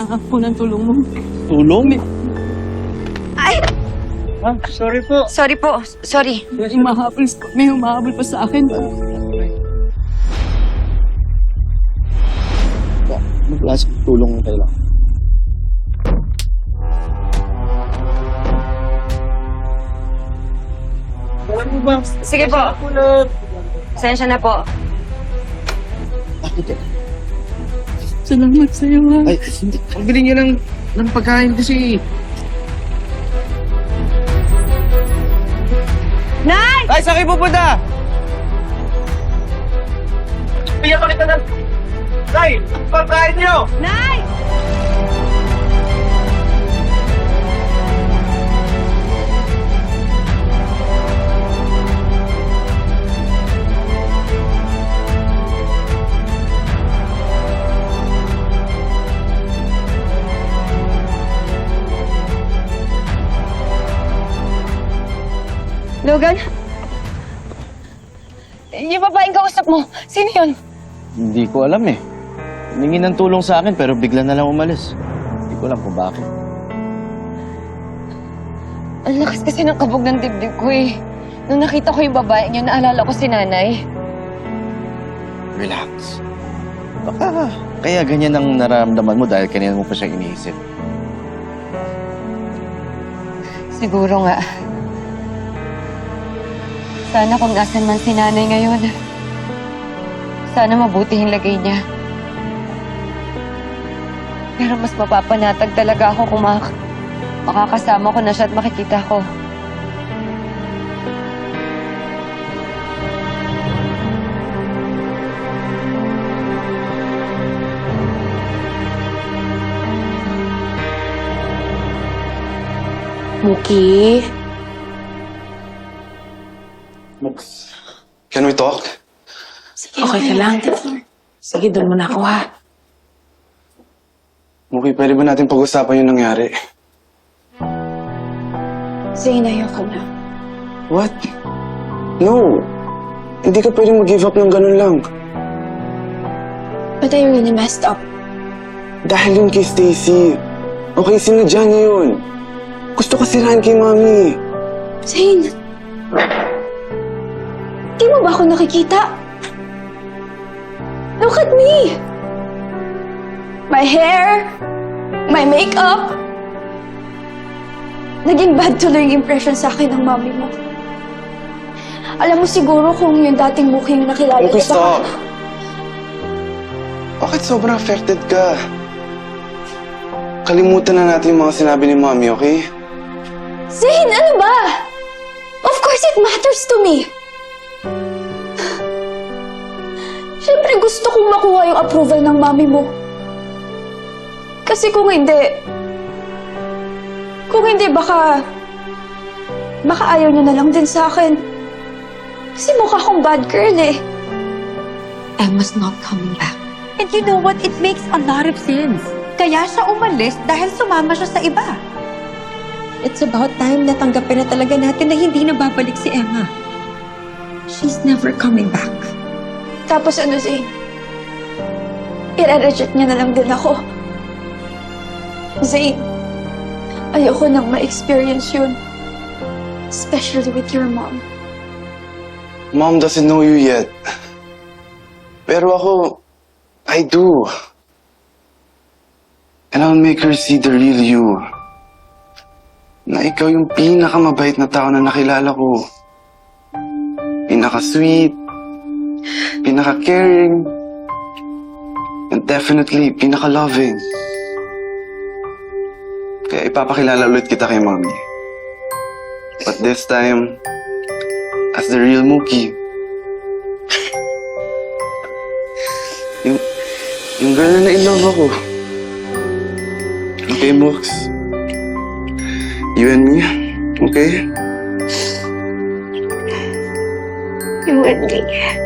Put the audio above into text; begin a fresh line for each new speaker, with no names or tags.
Kailangan po ng tulong mo.
Tulong?
Ay!
Ah, sorry po.
Sorry po. Sorry.
May humahabol pa sa akin.
Ano klaseng tulong na kailangan? Alam mo ba?
Sige po. Pasensya na po.
Bakit eh?
Salamat sa'yo, ha.
Ay, hindi. Ang biling niya ng pagkain kasi.
Nay!
Ay, saan kayo pupunta? Bigyan ko kita ng... Nay! Ang pagkain niyo!
Nay! Logan? Yung babaeng kausap mo, sino yun?
Hindi ko alam eh. Humingi ng tulong sa akin pero bigla na lang umalis. Hindi ko alam kung bakit.
Ang lakas kasi ng kabog ng dibdib ko eh. Nung nakita ko yung babaeng yun, naalala ko si nanay.
Relax. Baka kaya ganyan ang nararamdaman mo dahil kanina mo pa siya iniisip.
Siguro nga. Sana kung nasan man si nanay ngayon, sana mabuti yung lagay niya. Pero mas mapapanatag talaga ako kung makakasama ko na siya at makikita ko.
Muki?
Can we talk?
Okay ka lang? Sige, doon muna ako, ha?
Muki, pwede ba natin pag-usapan yung nangyari?
Zane, ayoko na.
What? No. Hindi ka pwedeng mag-give up ng ganun lang.
But I really messed up.
Dahil yun kay Stacy. Okay, sinadya niya yun. Gusto ka sirahan kay Mami.
Zane! Di mo ba ako nakikita? Look at me! My hair, my makeup. Naging bad tuloy yung impression sa akin ng mami mo. Alam mo siguro kung yung dating mukhang nakilala
Okay,
ko
stop. Bakit sobrang affected ka? Kalimutan na natin yung mga sinabi ni Mami, okay?
Zane, ano ba? Of course it matters to me. Siyempre gusto kong makuha yung approval ng mami mo. Kasi kung hindi baka ayaw niya na lang din sa akin. Kasi mukha akong bad girl eh.
Emma's not coming back. And you know what? It makes a lot of sense. Kaya siya umalis dahil sumama siya sa iba. It's about time na tanggapin na talaga natin na hindi na babalik si Emma. She's never coming back.
Tapos ano, Zane? I-reject niya na lang din ako. Zane, ayoko nang ma-experience yun. Especially with your mom.
Mom doesn't know you yet. Pero ako, I do. And I'll make her see the real you. Na ikaw yung pinakamabait na tao na nakilala ko. Pinaka-sweet, pinaka-caring, and definitely pinaka-loving. Kaya ipapakilala ulit kita kay Mami. But this time, as the real Mookie. Yung girl na in-love ako. Okay, Mooks? You and me, okay?
You and me.